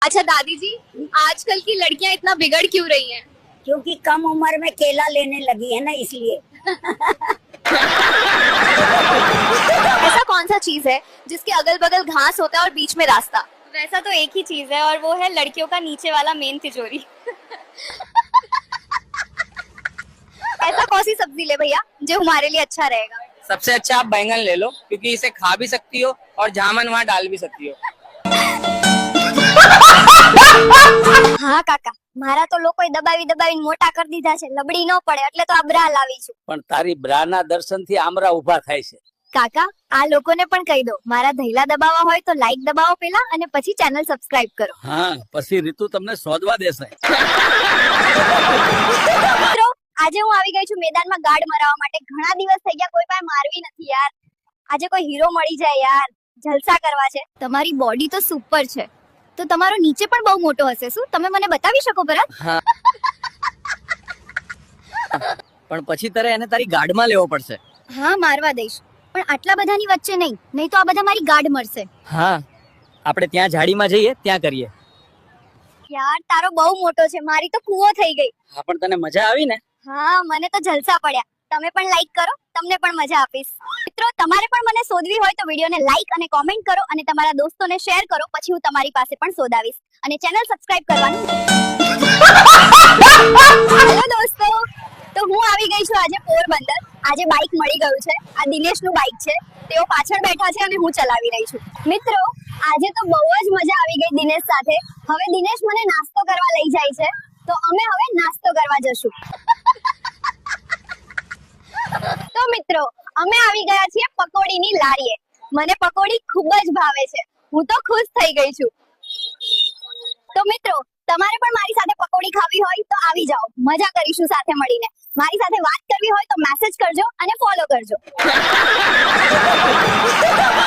अच्छा दादी जी, आजकल की लड़कियां इतना बिगड़ क्यों रही हैं? क्योंकि कम उम्र में केला लेने लगी है ना, इसलिए। ऐसा कौन सा चीज है जिसके अगल बगल घास होता है और बीच में रास्ता? वैसा तो एक ही चीज है और वो है लड़कियों का नीचे वाला मेन तिजोरी। ऐसा कौन सी सब्जी ले भैया जो हमारे लिए अच्छा रहेगा? सबसे अच्छा आप बैंगन ले लो, क्योंकि इसे खा भी सकती हो और जामन वहाँ डाल भी सकती हो। હા કાકા, મારા તો લોકોએ દબાવીને મોટા કરી દીધા છે, લબડી ન પડે એટલે તો આ બ્રા લાવી છું. પણ તારી બ્રાના દર્શનથી આમરા ઊભા થાય છે. કાકા, આ લોકોને પણ કહી દો, મારા ધૈલા દબાવવા હોય તો લાઈક દબાવો પેલા અને પછી ચેનલ સબસ્ક્રાઇબ કરો. હા, પછી રીતુ તમને શોધવા દેશે. મિત્રો, આજે હું આવી ગઈ છું મેદાનમાં ગાર્ડ મરાવવા માટે. ઘણા દિવસ થઈ ગયા, કોઈ પાસે મારવી નથી યાર. આજે કોઈ હીરો મળી જાય યાર, જલસા કરવા છે. તમારી બોડી તો સુપર છે, તો તમારો નીચે પણ બહુ મોટો હશે. શું તમે મને બતાવી શકો ભરત? હા, પણ પછી તારે એને તારી ગાર્ડમાં લેવો પડશે. હા, મારવા દઈશ, પણ આટલા બધાની વચ્ચે નહીં તો આ બધા મારી ગાર્ડ મરશે. હા, આપણે ત્યાં ઝાડીમાં જઈએ, ત્યાં કરીએ. યાર, તારો બહુ મોટો છે, મારી તો કૂવો થઈ ગઈ. હા, પણ તને મજા આવી ને? હા, મને તો જલસા પડ્યા. તમે પણ લાઈક કરો, તમને પણ મજા આપીશ. મિત્રો, તમારે પણ મને શોધવી હોય તો વિડીયોને લાઈક અને કોમેન્ટ કરો અને તમારા દોસ્તોને શેર કરો, પછી હું તમારી પાસે પણ શોધાવીશ. અને ચેનલ સબસ્ક્રાઇબ કરવાનું. હેલો દોસ્તો, તો હું આવી ગઈ છું આજે પોરબંદર. આજે બાઇક મળી ગયું છે. આ દિનેશનું બાઇક છે, તેઓ પાછળ બેઠા છે અને હું ચલાવી રહી છું. મિત્રો, આજે તો બહુ જ મજા આવી ગઈ દિનેશ સાથે. હવે દિનેશ મને નાસ્તો કરવા લઈ જાય છે, તો અમે હવે નાસ્તો કરવા જશું. તો મિત્રો, અમે આવી ગયા છીએ પકોડીની લારીએ. મને પકોડી ખૂબ જ ભાવે છે, હું તો ખુશ થઈ ગઈ છું. તો મિત્રો, તમારે પણ મારી સાથે પકોડી ખાવી હોય તો આવી જાઓ, મજા કરીશું સાથે મળીને. મારી સાથે વાત કરવી હોય તો મેસેજ કરજો અને ફોલો કરજો.